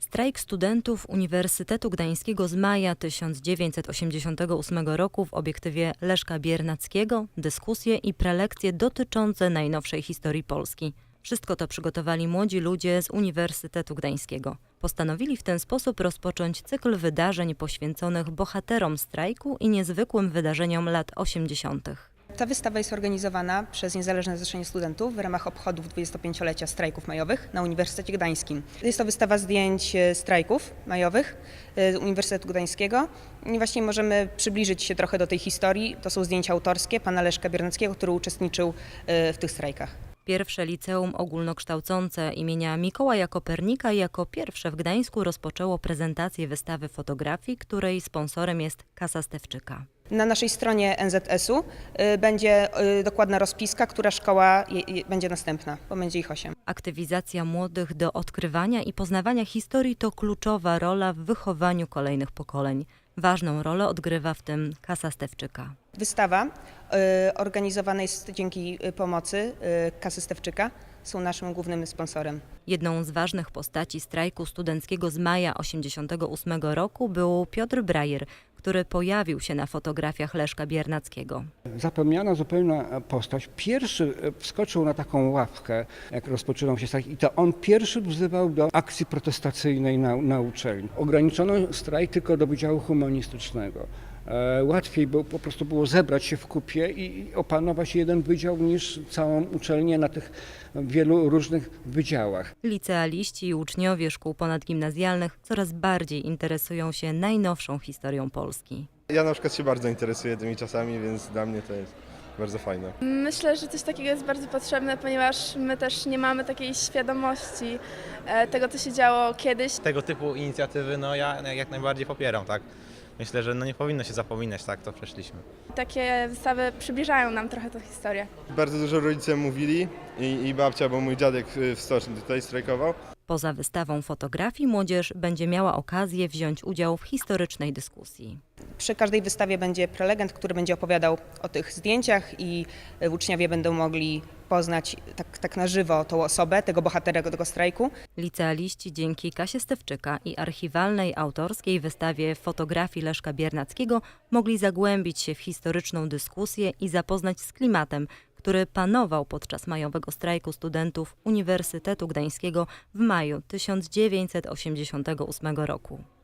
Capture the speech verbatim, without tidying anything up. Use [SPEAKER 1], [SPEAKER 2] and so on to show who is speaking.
[SPEAKER 1] Strajk studentów Uniwersytetu Gdańskiego z maja tysiąc dziewięćset osiemdziesiątego ósmego roku w obiektywie Leszka Biernackiego, dyskusje i prelekcje dotyczące najnowszej historii Polski. Wszystko to przygotowali młodzi ludzie z Uniwersytetu Gdańskiego. Postanowili w ten sposób rozpocząć cykl wydarzeń poświęconych bohaterom strajku i niezwykłym wydarzeniom lat osiemdziesiątych.
[SPEAKER 2] Ta wystawa jest organizowana przez Niezależne Zrzeszenie Studentów w ramach obchodów dwudziestopięciolecia strajków majowych na Uniwersytecie Gdańskim. Jest to wystawa zdjęć strajków majowych z Uniwersytetu Gdańskiego i właśnie możemy przybliżyć się trochę do tej historii. To są zdjęcia autorskie pana Leszka Biernackiego, który uczestniczył w tych strajkach.
[SPEAKER 1] Pierwsze liceum ogólnokształcące imienia Mikołaja Kopernika jako pierwsze w Gdańsku rozpoczęło prezentację wystawy fotografii, której sponsorem jest Kasa Stefczyka.
[SPEAKER 2] Na naszej stronie N Z S u będzie dokładna rozpiska, która szkoła będzie następna, bo będzie ich osiem.
[SPEAKER 1] Aktywizacja młodych do odkrywania i poznawania historii to kluczowa rola w wychowaniu kolejnych pokoleń. Ważną rolę odgrywa w tym Kasa Stefczyka.
[SPEAKER 2] Wystawa y, organizowana jest dzięki pomocy y, Kasy Stefczyka. Są naszym głównym sponsorem.
[SPEAKER 1] Jedną z ważnych postaci strajku studenckiego z maja osiemdziesiątego ósmego roku był Piotr Brajer, który pojawił się na fotografiach Leszka Biernackiego.
[SPEAKER 3] Zapomniana zupełnie postać. Pierwszy wskoczył na taką ławkę, jak rozpoczynał się strajk, i to on pierwszy wzywał do akcji protestacyjnej na, na uczelni. Ograniczono strajk tylko do Wydziału Humanistycznego. Łatwiej było, po prostu było zebrać się w kupie i opanować jeden wydział niż całą uczelnię na tych wielu różnych wydziałach.
[SPEAKER 1] Licealiści i uczniowie szkół ponadgimnazjalnych coraz bardziej interesują się najnowszą historią Polski.
[SPEAKER 4] Ja na przykład się bardzo interesuję tymi czasami, więc dla mnie to jest bardzo fajne.
[SPEAKER 5] Myślę, że coś takiego jest bardzo potrzebne, ponieważ my też nie mamy takiej świadomości tego, co się działo kiedyś.
[SPEAKER 6] Tego typu inicjatywy no ja jak najbardziej popieram, tak? Myślę, że no nie powinno się zapominać, tak, to przeszliśmy.
[SPEAKER 5] Takie wystawy przybliżają nam trochę tę historię.
[SPEAKER 4] Bardzo dużo rodzice mówili i, i babcia, bo mój dziadek w stoczni tutaj strajkował.
[SPEAKER 1] Poza wystawą fotografii młodzież będzie miała okazję wziąć udział w historycznej dyskusji.
[SPEAKER 2] Przy każdej wystawie będzie prelegent, który będzie opowiadał o tych zdjęciach i uczniowie będą mogli poznać tak, tak na żywo tą osobę, tego bohatera tego strajku.
[SPEAKER 1] Licealiści dzięki Kasie Stefczyka i archiwalnej autorskiej wystawie fotografii Leszka Biernackiego mogli zagłębić się w historyczną dyskusję i zapoznać z klimatem, który panował podczas majowego strajku studentów Uniwersytetu Gdańskiego w maju tysiąc dziewięćset osiemdziesiątego ósmego roku.